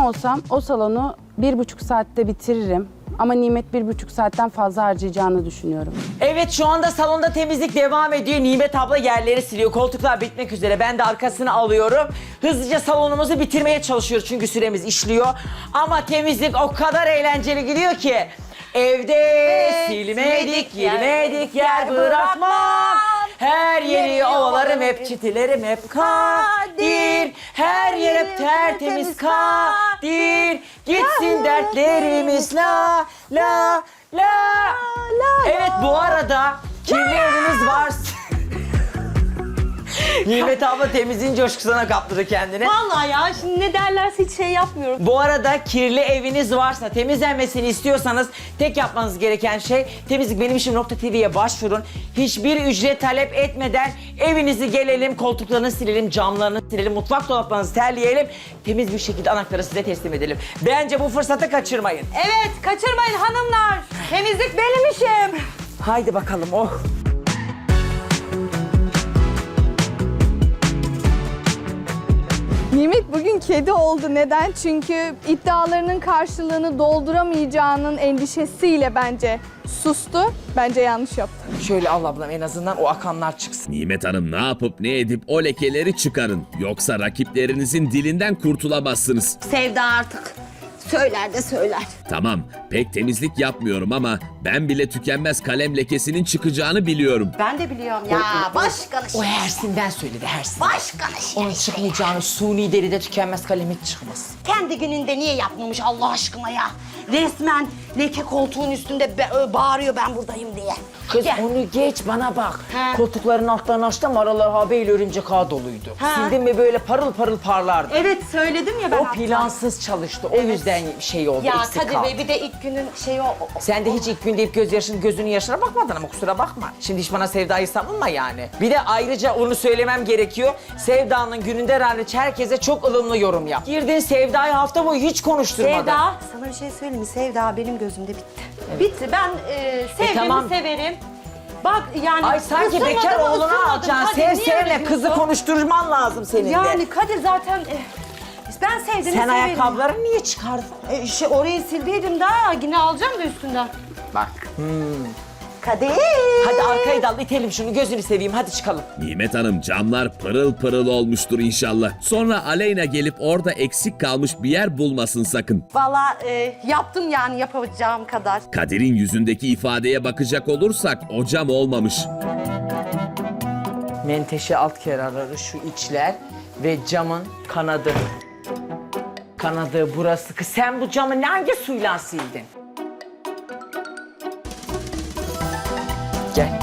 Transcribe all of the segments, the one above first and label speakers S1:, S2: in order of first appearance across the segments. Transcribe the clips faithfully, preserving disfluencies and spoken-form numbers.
S1: olsam o salonu bir buçuk saatte bitiririm. Ama Nimet bir buçuk saatten fazla harcayacağını düşünüyorum.
S2: Evet, şu anda salonda temizlik devam ediyor. Nimet abla yerleri siliyor. Koltuklar bitmek üzere. Ben de arkasını alıyorum. Hızlıca salonumuzu bitirmeye çalışıyoruz çünkü süremiz işliyor. Ama temizlik o kadar eğlenceli gidiyor ki. Evde
S3: Evet,
S2: silmedik,
S3: silmedik yer,
S2: girmedik yer bırakmam. Her yeri ovalarım hep, çitilerim hep kadir. Her yer hep tertemiz kadir. Gitsin dertlerimiz la la la. Evet, bu arada kirli eviniz varsa... Nimet abla temizliğin coşkusuna kaptırdı kendini.
S3: Vallahi ya şimdi ne derlerse hiç şey yapmıyorum.
S2: Bu arada kirli eviniz varsa, temizlenmesini istiyorsanız tek yapmanız gereken şey temizlik benim işim nokta tv'ye başvurun. Hiçbir ücret talep etmeden evinizi gelelim, koltuklarını silelim, camlarını silelim, mutfak dolaplarınızı terleyelim. Temiz bir şekilde anahtarı size teslim edelim. Bence bu fırsatı kaçırmayın.
S3: Evet, kaçırmayın hanımlar. Temizlik benim işim.
S2: Haydi bakalım, oh.
S4: Nimet bugün kedi oldu. Neden? Çünkü iddialarının karşılığını dolduramayacağının endişesiyle bence sustu. Bence yanlış yaptı.
S2: Şöyle al ablam, en azından o akanlar çıksın.
S5: Nimet Hanım, ne yapıp ne edip o lekeleri çıkarın. Yoksa rakiplerinizin dilinden kurtulamazsınız.
S6: Sevda artık söyler de söyler.
S5: Tamam, pek temizlik yapmıyorum ama ben bile tükenmez kalem lekesinin çıkacağını biliyorum.
S3: Ben de biliyorum ya.
S6: Ya başkanı
S2: O Hersin'den söyledi, Hersin.
S6: Başkanı
S2: Onun çıkmayacağını, suni deride tükenmez kalem hiç çıkmaz.
S6: kendi gününde niye yapmamış Allah aşkına ya? Resmen leke koltuğun üstünde be- bağırıyor ben buradayım diye.
S2: Kız
S6: Gel.
S2: onu geç, bana bak.
S6: He.
S2: Koltukların altlarını açtım, aralar habeyle örümcek ağ doluydu.
S6: He.
S2: Sildin mi böyle parıl parıl parlardı.
S3: Evet söyledim ya ben.
S2: O
S3: hatta.
S2: plansız çalıştı, o yüzden şey oldu,
S3: Ya
S2: eksik
S3: Kadir
S2: kaldı.
S3: Bey bir de ilk günün şeyi o. o-
S2: Sen de hiç ilk gün deyip gözyaşın, gözünün yaşına bakmadın ama kusura bakma. Şimdi hiç bana Sevda'yı savunma yani. Bir de ayrıca onu söylemem gerekiyor. Sevda'nın gününde hariç herkese çok ılımlı yorum yap. Girdin Sevda'yı hafta boyu hiç konuşturmadın.
S3: Sevda, sana bir şey söyleyeyim mi? Sevda benim gözümde bitti. Bitti. Ben e, sevdiğimi
S2: tamam.
S3: severim. Bak yani
S2: Ay sanki
S3: ısınmadı
S2: bekar
S3: mı,
S2: oğlunu
S3: ısınmadı.
S2: alacaksın.
S3: Kadir,
S2: Sev
S3: niye
S2: sevme,
S3: öyle
S2: kızı
S3: diyorsun?
S2: konuşturman lazım senin de.
S3: Yani Kadir zaten e, ben sevdiğimi
S2: Sen
S3: severim.
S2: ayakkabılarını niye çıkardın?
S3: E, şey, orayı sildiydim daha yine alacağım da üstünden.
S2: Bak.
S3: Kadir.
S2: Hadi arkayı dal, itelim şunu, gözünü seveyim, hadi çıkalım.
S5: Nimet Hanım, camlar pırıl pırıl olmuştur inşallah. Sonra Aleyna gelip orada eksik kalmış bir yer bulmasın sakın.
S3: Valla e, yaptım yani yapacağım kadar.
S5: Kadir'in yüzündeki ifadeye bakacak olursak o cam olmamış.
S2: Menteşe alt kenarları, şu içler ve camın kanadı. Kanadı burası. Kız sen bu camı hangi suyla sildin? Gel.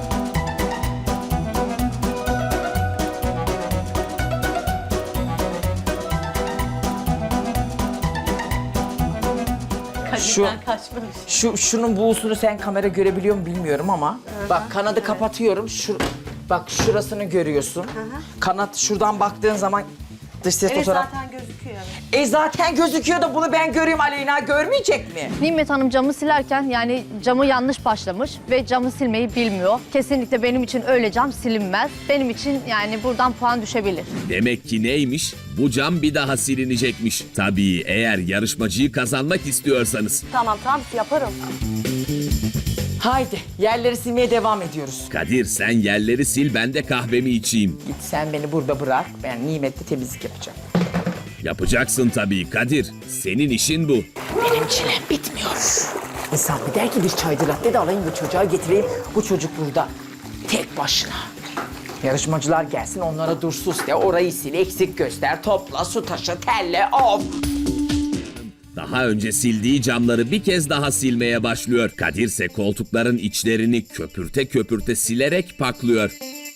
S2: Şu,
S3: Kadir'den kaçmamış.
S2: şu, şunun buğusunu sen kamera görebiliyor musun bilmiyorum ama. Bak kanadı kapatıyorum. Şu, bak şurasını görüyorsun. Kanat şuradan baktığın zaman dış ses
S3: Evet
S2: fotoğraf.
S3: zaten gözüküyor.
S2: E zaten gözüküyor da bunu ben göreyim, Aleyna görmeyecek mi?
S7: Nimet Hanım camı silerken yani camı yanlış başlamış ve camı silmeyi bilmiyor. Kesinlikle benim için öyle cam silinmez. Benim için yani buradan puan düşebilir.
S5: Demek ki neymiş? Bu cam bir daha silinecekmiş. Tabii eğer yarışmacıyı kazanmak istiyorsanız.
S3: Tamam tamam yaparım.
S2: Haydi yerleri silmeye devam ediyoruz.
S5: Kadir, sen yerleri sil, ben de kahvemi içeyim.
S2: Git sen beni burada bırak, ben nimetli temizlik yapacağım.
S5: Yapacaksın tabii Kadir. Senin işin bu.
S2: Benim çilem bitmiyor. İnsan bir der ki bir çaycı latte de alayım bu çocuğa getireyim. Bu çocuk burada tek başına. Yarışmacılar gelsin, onlara dur sus de, orayı sil, eksik göster, topla, su taşı, telle, of.
S5: Daha önce sildiği camları bir kez daha silmeye başlıyor. Kadir ise koltukların içlerini köpürte köpürte silerek paklıyor.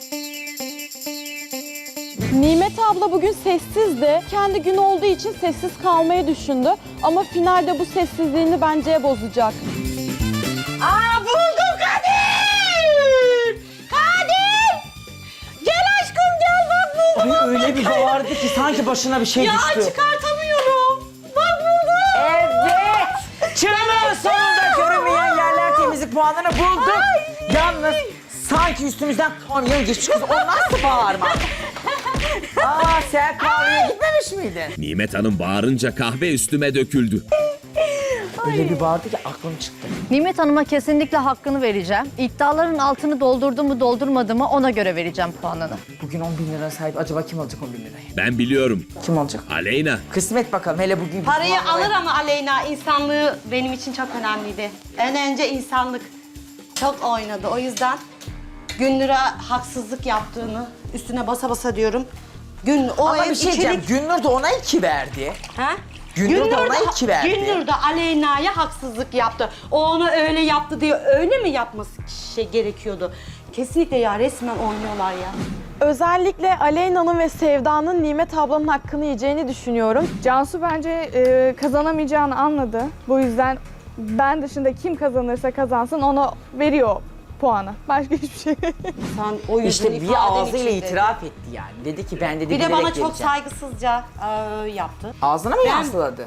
S8: Nimet abla bugün sessizdi. Kendi gün olduğu için sessiz kalmayı düşündü. Ama finalde bu sessizliğini bence bozacak.
S6: Aa buldum Kadir! Kadir! Gel aşkım gel bak buldum.
S2: Ay öyle bir bağırdı ki sanki başına bir şey
S6: Ya
S2: düştü.
S6: çıkartamıyorum. Bak buldum.
S2: Evet! Çığlığın sonunda görünmeyen yerler temizlik puanını bulduk. Yalnız sanki üstümüzden kamyon geçmiş kız. O nasıl bağırma? Aa sen kahveye gitmemiş miydin?
S5: Nimet Hanım bağırınca kahve üstüme döküldü.
S2: Öyle bir bağırdı ki aklım çıktı.
S7: Nimet Hanım'a kesinlikle hakkını vereceğim. İddiaların altını doldurdu mu doldurmadı mı ona göre vereceğim puanını.
S2: Bugün on bin lira sahip. Acaba kim alacak on bin lirayı?
S5: Ben biliyorum.
S2: Kim alacak?
S5: Aleyna.
S2: Kısmet bakalım. Hele bugün...
S6: Parayı alır ama Aleyna insanlığı benim için çok önemliydi. En önce insanlık çok oynadı. O yüzden Günnur'a haksızlık yaptığını üstüne basa basa diyorum. Gün o
S2: Ama
S6: ev
S2: bir şey diyeceğim.
S6: içerik...
S2: Günnur da ona iki verdi.
S6: Ha?
S2: Günnur da ona iki verdi.
S6: Günnur da Aleyna'ya haksızlık yaptı. O ona öyle yaptı diye öyle mi yapması şey gerekiyordu? Kesinlikle ya resmen oynuyorlar ya.
S8: Özellikle Aleyna'nın ve Sevda'nın Nimet ablanın hakkını yiyeceğini düşünüyorum.
S4: Cansu bence e, kazanamayacağını anladı. Bu yüzden ben dışında kim kazanırsa kazansın ona veriyor puanı. Başka hiçbir şey.
S6: Sen o yüzden
S2: İşte bir
S6: ifaden
S2: ağzıyla
S6: için dedi.
S2: itiraf etti yani. Dedi ki ben dedi
S6: Bir de
S2: bilerek
S6: bana çok
S2: vereceğim.
S6: saygısızca e, yaptı.
S2: Ağzına mı
S6: Ben-
S2: yansıladı?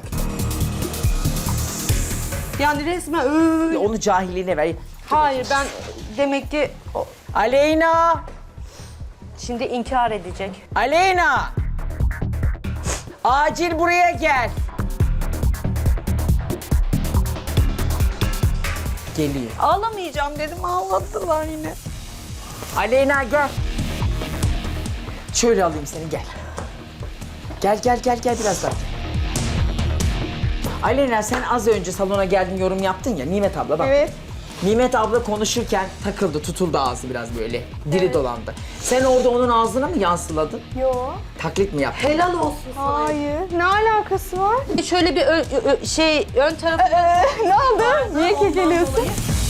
S6: Yani resmen öyle.
S2: Onu cahilliğine ver.
S6: Hayır ben demek ki o-
S2: Aleyna!
S6: şimdi inkar edecek.
S2: Aleyna! Acil buraya gel. Geliyor.
S6: Ağlamayacağım dedim ağlattılar yine.
S2: Aleyna gel. Şöyle alayım seni gel. Gel gel gel gel biraz daha. Aleyna sen az önce salona geldin yorum yaptın ya Nimet abla bak.
S4: Evet.
S2: Nimet abla konuşurken takıldı, tutuldu ağzı biraz böyle. Dili dolandı. Sen orada onun ağzına mı yansıladın?
S4: Yo.
S2: Taklit mi yaptın?
S6: Helal olsun sana.
S4: Hayır. Ne alakası var?
S6: Şöyle bir ö- ö- şey ön tarafı...
S4: ne oldu? Niye kekeliyorsun?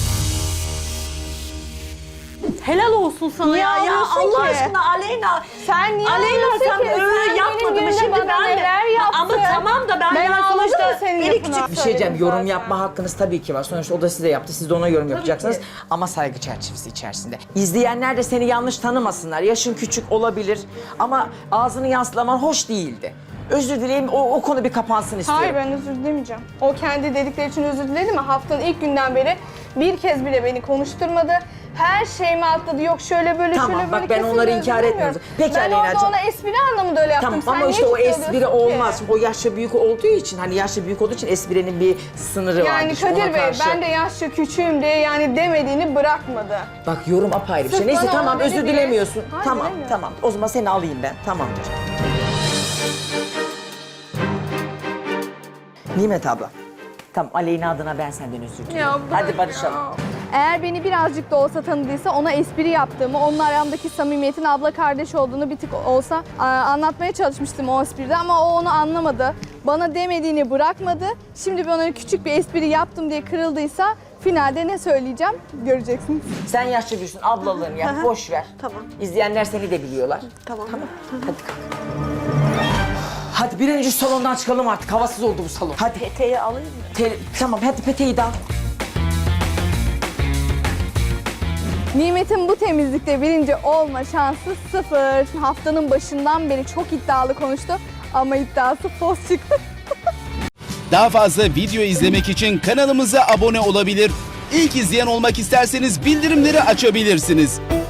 S6: Helal olsun sana
S4: Niye
S6: ya. Ya
S4: ağlıyorsun
S6: Allah
S4: ki?
S6: aşkına Aleyna.
S4: Sen niye
S6: Aleyna
S4: ağlıyorsun
S6: sen
S4: ki?
S6: öyle
S4: Sen
S6: yapmadın
S4: benim
S6: mı?
S4: günümde
S6: Şimdi
S4: bana
S6: ben de...
S4: neler yaptın?
S6: Ama tamam da ben,
S4: Ben
S6: yani
S4: ağladım
S6: sonuçta
S4: mı senin
S6: beni
S4: yapına?
S6: küçük...
S2: Bir şey diyeceğim, yorum
S4: zaten.
S2: yapma hakkınız tabii ki var. Sonuçta o da size yaptı, siz de ona yorum yapacaksınız. Ama saygı çerçevesi içerisinde. İzleyenler de seni yanlış tanımasınlar. Yaşın küçük olabilir ama ağzını yansılaman hoş değildi. Özür dileyim, o, o konu bir kapansın istiyorum.
S4: Hayır ben özür dilemeyeceğim. O kendi dedikleri için özür diledi mi? Haftanın ilk günden beri bir kez bile beni konuşturmadı. Her şeyimi atladı. Yok şöyle böyle
S2: Tamam,
S4: şöyle
S2: bak
S4: böyle.
S2: ben
S4: Kesinlikle
S2: onları
S4: özür
S2: inkar
S4: dilemiyorum.
S2: etmiyorum. Peki
S4: ben
S2: Aleyna'cığım.
S4: orada ona espri anlamında öyle yaptım.
S2: Tamam
S4: Sen
S2: ama
S4: niye
S2: işte o
S4: ciddi
S2: espri
S4: alıyorsun ki?
S2: olmaz. Şimdi o yaşça büyük olduğu için, hani yaşça büyük olduğu için esprinin bir sınırı var.
S4: Yani Kadir Bey ben de yaşça küçüğüm diye yani demediğini bırakmadı.
S2: Bak yorum apayrı bir şey.
S4: Sırf
S2: Neyse
S4: bana
S2: tamam
S4: onu
S2: özür
S4: dedi diye-
S2: dilemiyorsun.
S4: Hayır,
S2: tamam
S4: dilemiyorum.
S2: tamam. O zaman seni alayım ben. Tamamdır. Nimet abla. Tamam Aleyna adına ben senden özür dilerim.
S4: Ya bırak
S2: Hadi barışalım.
S4: ya. Eğer beni birazcık da olsa tanıdıysa ona espri yaptığımı, onun aramdaki samimiyetin abla kardeş olduğunu bir tık olsa a, anlatmaya çalışmıştım o espride ama o onu anlamadı. Bana demediğini bırakmadı. Şimdi ben ona küçük bir espri yaptım diye kırıldıysa finalde ne söyleyeceğim göreceksiniz.
S2: Sen yaşça büyüksün, ablalığını yap, boş ver.
S6: Tamam.
S2: İzleyenler seni de biliyorlar.
S6: Tamam.
S2: Tamam. Hadi kalk. Hadi bir an önce salondan çıkalım artık. Havasız oldu bu salon. Hadi.
S6: Peteği alayım mı?
S2: Te- tamam hadi peteği de al.
S4: Nimet'in bu temizlikte birinci olma şansı sıfır. Haftanın başından beri çok iddialı konuştu ama iddiası fos çıktı.
S9: Daha fazla video izlemek için kanalımıza abone olabilir. İlk izleyen olmak isterseniz bildirimleri açabilirsiniz.